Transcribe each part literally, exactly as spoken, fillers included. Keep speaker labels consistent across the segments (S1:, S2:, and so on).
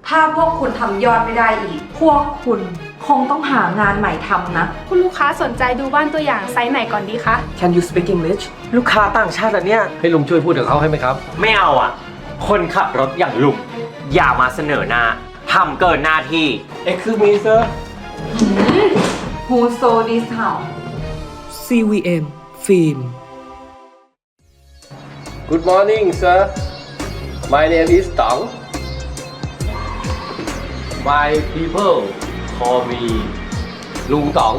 S1: ถ้าพวกคุณทำยอดไม่ได้อีก พวกคุณคงต้องหางานใหม่ทำนะ
S2: คุณลูกค้าสนใจดูบ้านตัวอย่างไซส์ไหนก่อนดีคะ
S3: Can you speak English ลูกค้าต่างชาติเหรอเนี่ย
S4: ให้ลุงช่วยพูดกับเขาให้ไหมครับ
S5: ไม่เอาอ่ะ คนขับรถอย่างลุงอย่ามาเสนอหน้าทำเกินหน้าที่
S4: Excuse me sir
S1: Who sold this house
S3: ซี วี เอ็ม ฟิล์ม
S4: Good morning sir My name is Tong My people call me ลุงต๋อง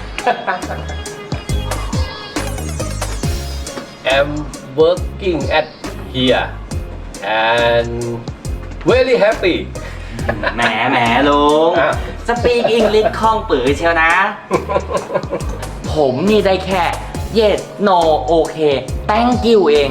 S4: I'm working at here and very happy
S5: แหมแหมลุง
S4: อ่ะ
S5: สปีกอังกฤษคล่องปือเชียวนะ ผมนี่ได้แค่ yes no okay thank you เอง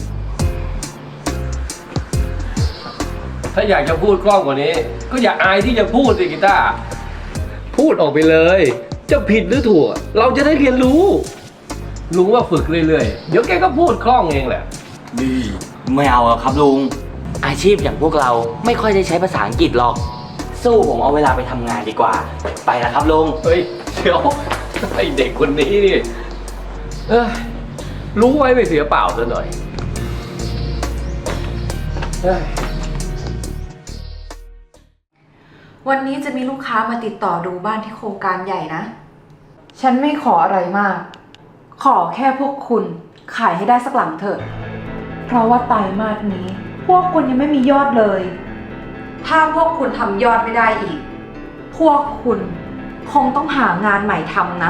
S4: ถ้าอยากจะพูดคล่องกว่านี้ ก็อย่าอายที่จะพูดสิกีตาร์พูดออกไปเลย จะผิดหรือถูก เราจะได้เรียนรู้ ลุงว่าฝึกเรื่อยๆ เดี๋ยวแกก็พูดคล่องเองแหละ
S5: นี่ไม่เอาอะครับลุง อาชีพอย่างพวกเราไม่ค่อยได้ใช้ภาษาอังกฤษหรอก สู้ผมเอาเวลาไปทำงานดีกว่า ไปแล้วครับลุง
S4: เฮ้ยเดี๋ยวไอเด็กคนนี้นี่เอ้ยรู้ไว้ไม่เสียเปล่าซะหน่อยเอ้ย
S1: วันนี้จะมีลูกค้ามาติดต่อดูบ้านที่โครงการใหญ่นะ ฉันไม่ขออะไรมาก ขอแค่พวกคุณขายให้ได้สักหลังเถอะ เพราะว่าไตรมาสนี้ พวกคุณยังไม่มียอดเลย ถ้าพวกคุณทำยอดไม่ได้อีก พวกคุณคงต้องหางานใหม่ทำนะ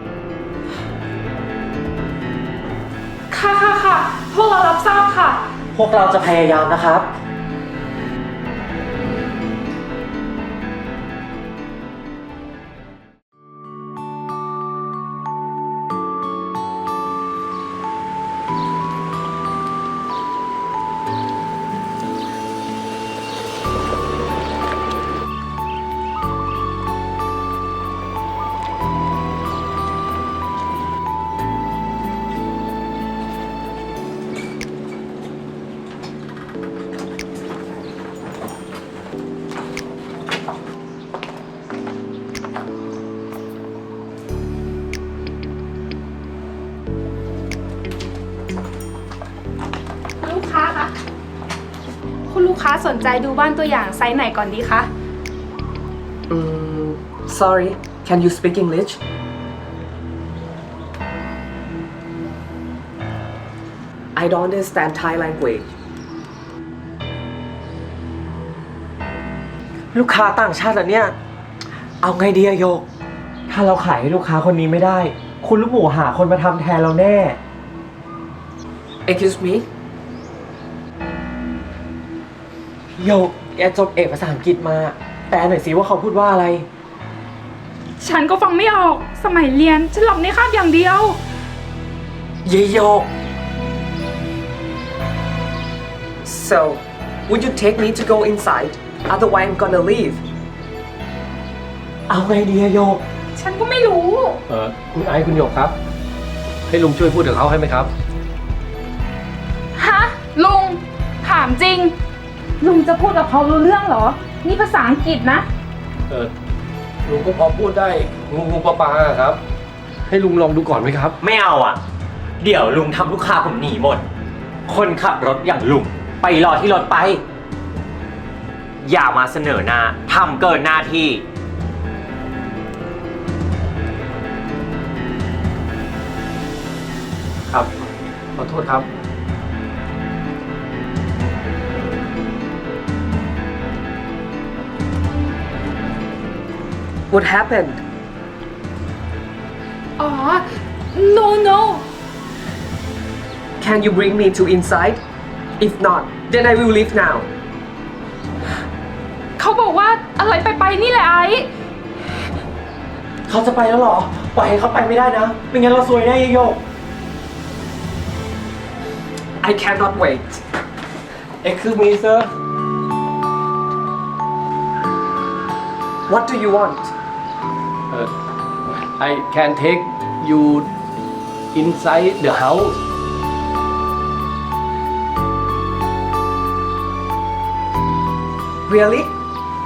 S2: ค่ะค่ะค่ะพวกเรารับทราบค่ะ
S5: พวกเราจะพยายามนะครับ
S2: ลูกค้าคะคุณลูกค้าสนใจดูบ้านตัวอย่างไซส์ไหนก่อนดีคะ
S3: อืม sorry Can you speak English I don't understand Thai language ลูกค้าต่างชาติเหรอเนี่ย เอาไงดีอะโยก ถ้าเราขายให้ลูกค้าคนนี้ไม่ได้ คุณลูกหมูหาคนมาทำแทนเราแน่ Excuse me โยก แกจบเอกภาษาอังกฤษมา แปลหน่อยสิว่าเขาพูดว่าอะไร
S2: ฉันก็ฟังไม่ออก สมัยเรียนฉันหลับในคาบอย่างเดียว
S3: เยโยก So would you take me to go inside otherwise I'm gonna leave เอาไงดีอะโยก
S2: ฉันก็ไม่รู้
S4: เออคุณไอซ์คุณหยกครับ ให้ลุงช่วยพูดกับเขาให้ไหมครับ
S2: ฮะ ลุง ถามจริง ลุงจะพูดกับเขารู้เรื่องเหรอ นี่ภาษาอังกฤษนะ
S4: เออลุงก็พอพูดได้งูงูปลาปลาครับ ให้ลุงลองดูก่อนไหมครับ
S5: ไม่เอาอ่ะ เดี๋ยวลุงทำลูกค้าผมหนีหมด คนขับรถอย่างลุงไปรอที่รถไป อย่ามาเสนอหน้าทำเกินหน้าที่
S4: ครับ ขอโทษครับ
S3: What happened
S2: อ๋อ no no
S3: Can you bring me to inside If not then I will leave now
S2: เขาบอกว่าอะไรไปไปนี่แหละไอ้
S3: เขาจะไปแล้วเหรอ ปล่อยให้เขาไปไม่ได้นะ ไม่งั้นเราซวยแน่เยโยก I cannot wait
S4: Excuse me sir
S3: What do you want
S4: uh, I can take you inside the house
S3: Really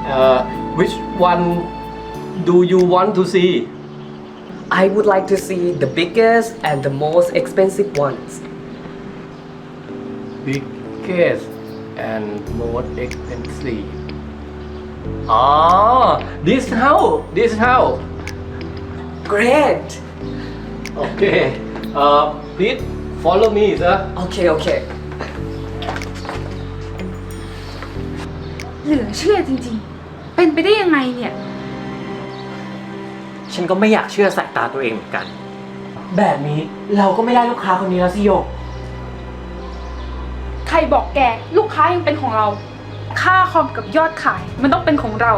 S4: uh, which one do you want to see
S3: I would like to see the biggest and the most expensive ones.
S4: biggest and most expensive ah this house this house
S3: Great.
S4: okay uh, please follow me sir
S3: Okay, okay.
S2: เหลือเชื่อจริงๆ เป็นไปได้ยังไงเนี่ย
S5: ฉันก็ไม่อยากเชื่อสายตาตัวเองเหมือนกัน แบบนี้เราก็ไม่ได้ลูกค้าคนนี้แล้วสิโยก
S2: ใครบอกแกลูกค้ายังเป็นของเรา ค่าคอมกับยอดขายมันต้องเป็นของเรา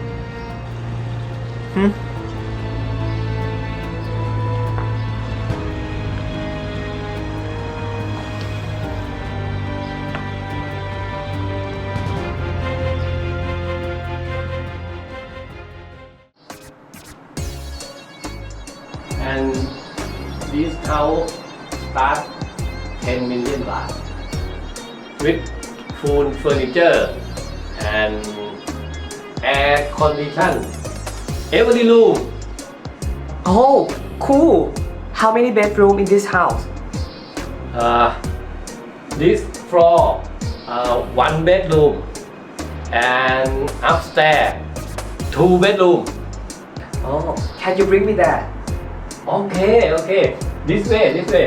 S4: and this house start ten million baht with full furniture and air condition every room
S3: Oh, cool. How many bedroom in this house?
S4: uh, this floor uh, one bedroom and upstairs two bedroom
S3: Oh, can you bring me that?
S4: okay okay this way this way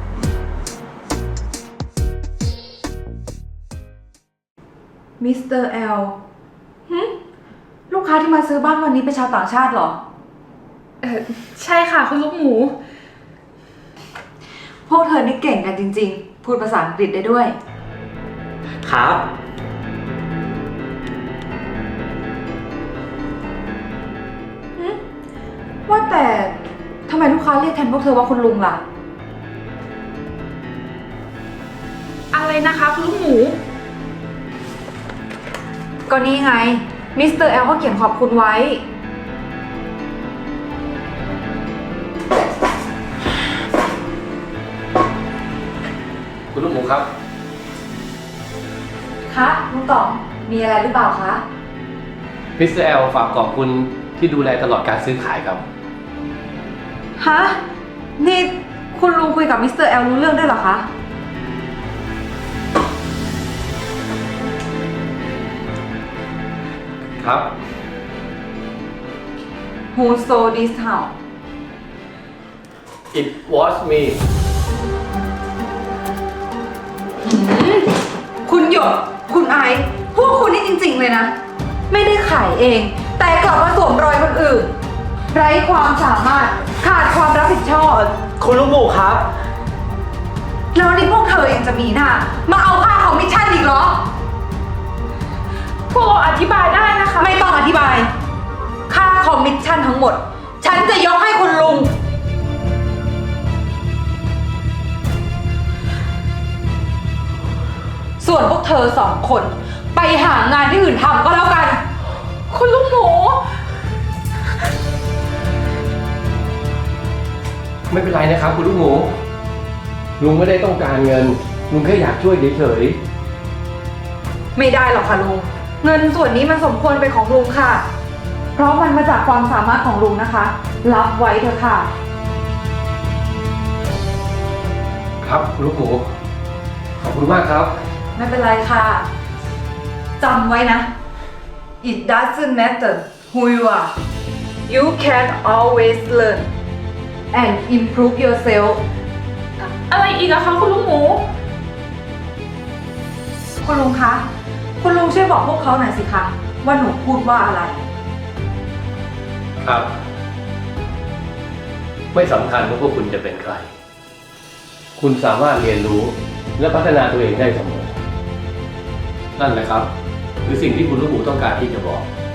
S1: มิสเตอร์แอลหึลูกค้าที่มาซื้อบ้านวันนี้เป็นชาวต่างชาติเหรอ
S2: เออใช่ค่ะคุณลูกหมู
S1: พวกเธอนี่เก่งกันจริงๆ พูดภาษาอังกฤษได้ด้วย
S5: ครับ
S1: ว่าแต่ทำไมลูกค้าเรียกแทนพวกเธอว่าคุณลุงล่ะ
S2: อะไรนะคะคุณลูกหมู
S1: ก็นี่ไง มิสเตอร์แอลเขาเขียนขอบคุณไว้
S4: คุณลูกหมูครับ
S1: คะลุงต๋อง มีอะไรหรือเปล่าคะ
S4: มิสเตอร์แอลฝากขอบคุณที่ดูแลตลอดการซื้อขายครับ
S1: ฮะ นี่คุณลุงคุยกับมิสเตอร์แอลรู้เรื่องด้วยเหรอคะ
S4: ครับ
S1: Who sold this house
S4: it was me
S1: คุณหยด คุณไอซ์พวกคุณนี่จริงๆเลยนะ ไม่ได้ขายเอง แต่กลับมาสวมรอยคนอื่น ไร้ความสามารถ ขาดความรับผิดชอบ
S5: คุณลูกหมูครับ
S1: แล้วนี่พวกเธอยังจะมีหน้า มาเอาค่าของมิชชั่นอีกเหรอ
S2: พวกเราอธิบายได้นะคะ
S1: ไม่ต้องอธิบาย ค่าคอมมิชชั่นทั้งหมด ฉันจะยกให้คุณลุง ส่วนพวกเธอสองคน ไปหางานที่อื่นทำก็แล้วกัน
S2: คุณลูกหมู
S4: ไม่เป็นไรนะครับคุณลูกหมู ลุงไม่ได้ต้องการเงิน ลุงแค่อยากช่วยเฉย
S1: ไม่ได้หรอกค่ะลุง เงินส่วนนี้มันสมควรเป็นของลุงค่ะ เพราะมันมาจากความสามารถของลุงนะคะ รับไว้เถอะค่ะ
S4: ๆครับคุณลูกหมู ขอบคุณมากครับ
S1: ไม่เป็นไรค่ะ จำไว้นะ It doesn't matter who you are you can always learn and improve yourself
S2: อะไรอีกอะคะคุณลูกหมู
S1: คุณลุงคะ คุณลุงช่วยบอกพวกเขาหน่อยสิคะ ว่าหนูพูดว่าอะไร
S4: ครับ ไม่สำคัญว่าพวกคุณจะเป็นใคร คุณสามารถเรียนรู้และพัฒนาตัวเองได้เสมอ นั่นแหละครับคือสิ่งที่คุณลูกหมูต้องการที่จะบอก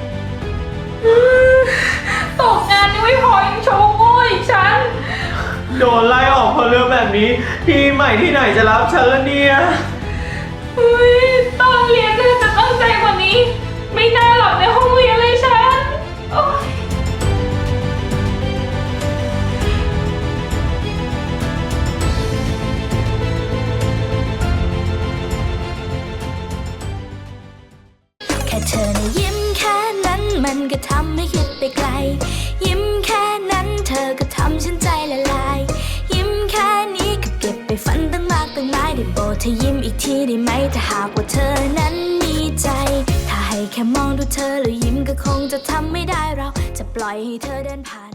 S2: ตกงานยังไม่พอยังโชว์โง่อีกฉัน
S5: โดนไล่ออกเพราะเรื่องแบบนี้ ที่ใหม่ที่ไหนจะรับฉันละเนี่ย
S2: เฮ้ยตอนเรียนน่าจะตั้งใจกว่านี้ ไม่น่าหลับในห้องเรียนเลยฉันโอ๊ย
S6: แค่เธอนะยิ้มแค่ก็ทำให้คิดไปไกล ยิ้มแค่นั้นเธอก็ทำฉันใจละลาย ยิ้มแค่นี้ก็เก็บไปฝันตั้งมากตั้งหลายได้โปรดเธอยิ้มอีกทีได้ไหมถ้าหากว่าเธอนั้นมีใจ ถ้าให้แค่มองดูเธอแล้วยิ้มก็คงจะทำไม่ได้เราจะปล่อยให้เธอเดินผ่าน